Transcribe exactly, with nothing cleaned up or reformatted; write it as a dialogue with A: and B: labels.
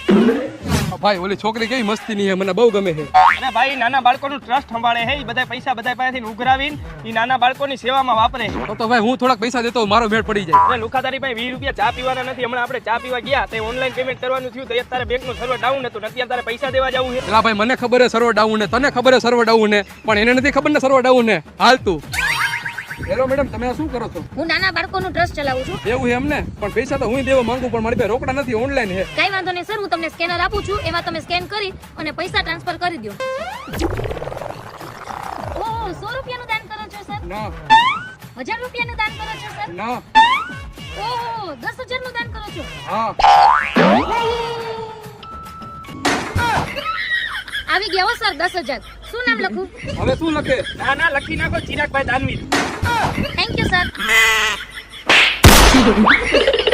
A: ભાઈ ઓલી છોકરી કેવી મસ્તી ની છે, મને બહુ ગમે છે.
B: અને ભાઈ નાના બાળકોનું ટ્રસ્ટ સંભાળે છે, ઈ બધા પૈસા બધા પાસેથી ઉઘરાવીને ઈ નાના બાળકોની સેવામાં વાપરે છે.
A: તો તો ભાઈ હું થોડાક પૈસા દેતો મારો ભેટ પડી જાય.
B: અને લુખાધારી ભાઈ વીસ રૂપિયા ચા પીવાના નથી. હમણાં આપણે ચા પીવા ગયા તે ઓનલાઈન પેમેન્ટ કરવાનું થયું તો તારે બેંકનું સર્વર ડાઉન હતું, અત્યારે તારે પૈસા દેવા જવું છે.
A: એલા ભાઈ મને ખબર છે સર્વર ડાઉન ને, તને ખબર છે સર્વર ડાઉન ને, પણ એને નથી ખબર ને સર્વર ડાઉન ને. હાલ તું. હેલો મેડમ, તમે આ શું કરો છો?
C: હું નાના બાળકોનું ટ્રસ્ટ ચલાવું છું.
A: એવું છે એમને? પણ પૈસા તો હું દેવા માંગુ, પણ મારી પાસે રોકડા નથી, ઓનલાઈન છે.
C: કઈ વાંધો નહીં સર, હું તમને સ્કેનર આપું છું, એમાં તમે સ્કેન કરી અને પૈસા ટ્રાન્સફર કરી દો. ઓહ, સો રૂપિયાનું દાન કરો છો સર?
A: ના
C: હજાર રૂપિયાનું દાન કરો છો સર?
A: ના.
C: ઓહ, દસ હજારનું દાન કરો છો?
A: હા.
C: આવી ગયા હો સર દસ હજાર. શું નામ લખું?
A: હવે શું લખે?
B: ના ના લખી નાખો ચિરાગભાઈ દાનવીર.
C: Thank you sir.